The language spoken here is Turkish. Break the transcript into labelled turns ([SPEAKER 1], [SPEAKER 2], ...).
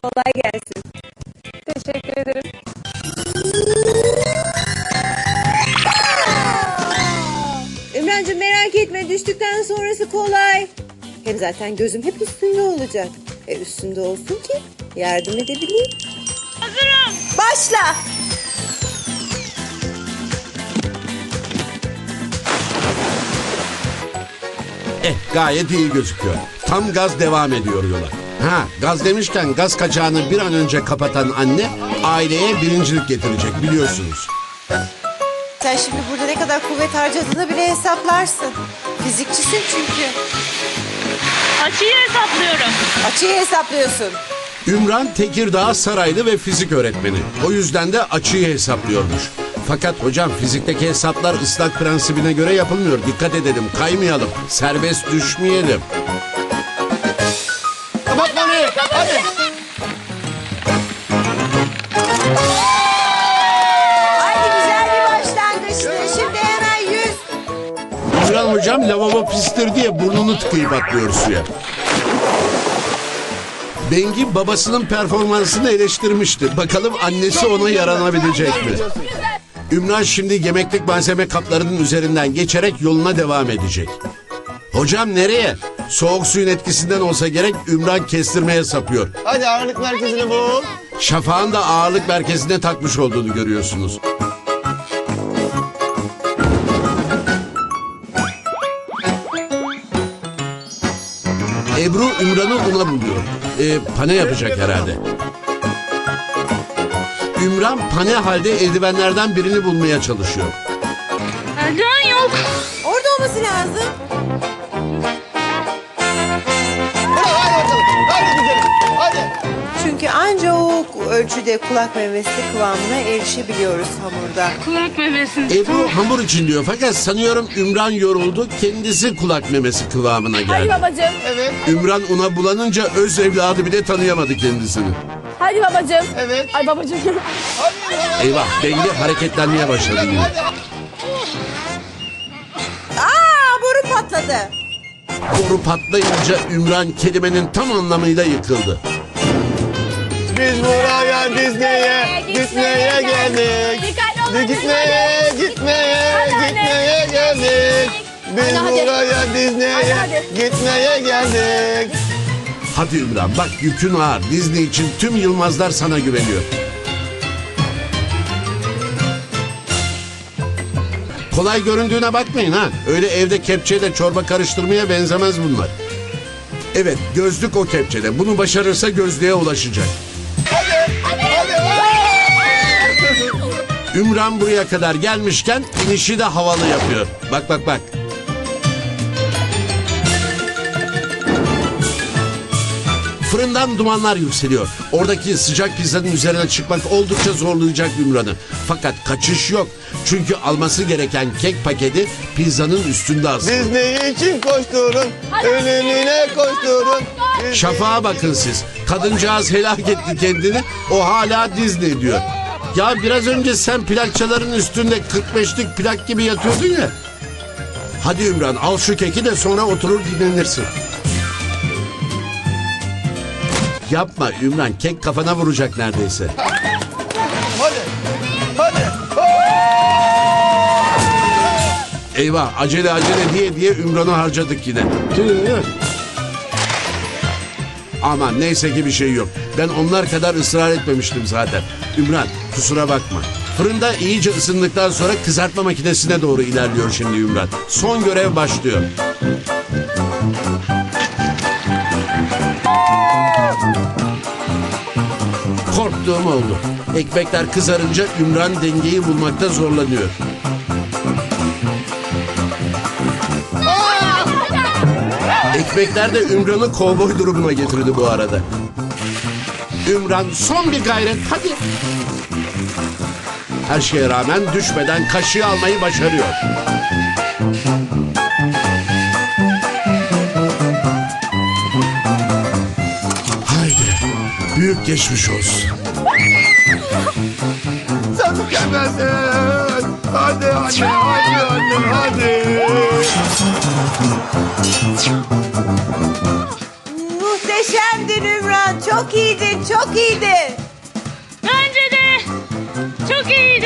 [SPEAKER 1] Kolay gelsin.
[SPEAKER 2] Teşekkür ederim.
[SPEAKER 1] Ümrancığım merak etme, düştükten sonrası kolay. Hem zaten gözüm hep üstünde olacak. Üstünde olsun ki yardım edebileyim.
[SPEAKER 2] Hazırım.
[SPEAKER 1] Başla.
[SPEAKER 3] Gayet iyi gözüküyor. Tam gaz devam ediyor yola. Gaz demişken gaz kaçağını bir an önce kapatan anne aileye birincilik getirecek biliyorsunuz.
[SPEAKER 1] Sen şimdi burada ne kadar kuvvet harcadığını bile hesaplarsın. Fizikçisin çünkü.
[SPEAKER 2] Açıyı hesaplıyorum.
[SPEAKER 1] Açıyı hesaplıyorsun.
[SPEAKER 3] Ümran Tekirdağ Saraylı ve fizik öğretmeni. O yüzden de açıyı hesaplıyormuş. Fakat hocam fizikteki hesaplar ıslak prensibine göre yapılmıyor. Dikkat edelim, kaymayalım, serbest düşmeyelim.
[SPEAKER 4] Kapat bana, hadi.
[SPEAKER 1] Haydi güzel bir başlangıçtı. Şimdi hemen 100.
[SPEAKER 3] Ümran hocam lavabo pistir diye burnunu tıkayıp atlıyor suya. Bengi babasının performansını eleştirmişti. Bakalım annesi ona yaranabilecek mi? Ümran şimdi yemeklik malzeme kaplarının üzerinden geçerek yoluna devam edecek. Hocam nereye? Soğuk suyun etkisinden olsa gerek Ümran kestirmeye sapıyor.
[SPEAKER 4] Hadi ağırlık merkezini bul.
[SPEAKER 3] Şafağın da ağırlık merkezine takmış olduğunu görüyorsunuz. Ebru Ümran'ı una buluyor. Pane yapacak herhalde. Ümran pane halde eldivenlerden birini bulmaya çalışıyor.
[SPEAKER 2] Eldiven yok.
[SPEAKER 1] Orada olması lazım.
[SPEAKER 4] Hadi bakalım, hadi güzelim, hadi.
[SPEAKER 1] Çünkü anca o ölçüde kulak memesi kıvamına erişebiliyoruz hamurda.
[SPEAKER 2] Kulak memesini.
[SPEAKER 3] Ebru hamur için diyor fakat sanıyorum Ümran yoruldu. Kendisi kulak memesi kıvamına
[SPEAKER 2] Hadi
[SPEAKER 3] geldi.
[SPEAKER 2] babacığım.
[SPEAKER 4] Evet,
[SPEAKER 3] Ümran una bulanınca öz evladı bile tanıyamadı kendisini.
[SPEAKER 2] Hadi babacığım.
[SPEAKER 4] evet.
[SPEAKER 2] Ay babacığım.
[SPEAKER 4] Hadi.
[SPEAKER 3] Eyvah Bengi hareketlenmeye başladı yine.
[SPEAKER 1] Boru patladı.
[SPEAKER 3] Boru patlayınca Ümran kelimenin tam anlamıyla yıkıldı.
[SPEAKER 4] Biz buraya Disney'e geldik. Gitmeye geldik. Biz buraya gitmeye geldik.
[SPEAKER 3] Hadi Ümran bak yükün ağır. Disney için tüm Yılmazlar sana güveniyor. Kolay göründüğüne bakmayın ha. Öyle evde kepçeyle çorba karıştırmaya benzemez bunlar. Evet gözlük o kepçede. Bunu başarırsa gözlüğe ulaşacak. Ümran buraya kadar gelmişken inişi de havalı yapıyor. Bak bak bak. Fırından dumanlar yükseliyor. Oradaki sıcak pizzanın üzerine çıkmak oldukça zorlayacak Ümran'ı. Fakat kaçış yok. Çünkü alması gereken kek paketi pizzanın üstünde asılı.
[SPEAKER 4] Disney için koşturun, ölümüne koşturun.
[SPEAKER 3] Şafağa bakın siz. Kadıncağız helak etti kendini. O hala Disney diyor. Ya biraz önce sen plakçaların üstünde 45'lik plak gibi yatıyordun ya. Hadi Ümran al şu keki de sonra oturur dinlenirsin. Yapma Ümran kek kafana vuracak neredeyse.
[SPEAKER 4] Hadi.
[SPEAKER 3] Eyvah acele diye Ümran'ı harcadık yine. Aman neyse ki bir şey yok. Ben onlar kadar ısrar etmemiştim zaten. Ümran kusura bakma. Fırında iyice ısındıktan sonra kızartma makinesine doğru ilerliyor şimdi Ümran. Son görev başlıyor. Korktuğum oldu. Ekmekler kızarınca Ümran dengeyi bulmakta zorlanıyor. Ekmekler de Ümran'ı kovboy durumuna getirdi bu arada. Ümran son bir gayret hadi. Her şeye rağmen düşmeden kaşığı almayı başarıyor. Haydi büyük geçmiş olsun.
[SPEAKER 4] Sen mükemmelsin. Hadi anne, hadi.
[SPEAKER 1] Muhteşem. Muhteşemdin Ümran. Çok iyiydin, çok iyiydin.
[SPEAKER 2] Bence de çok iyi.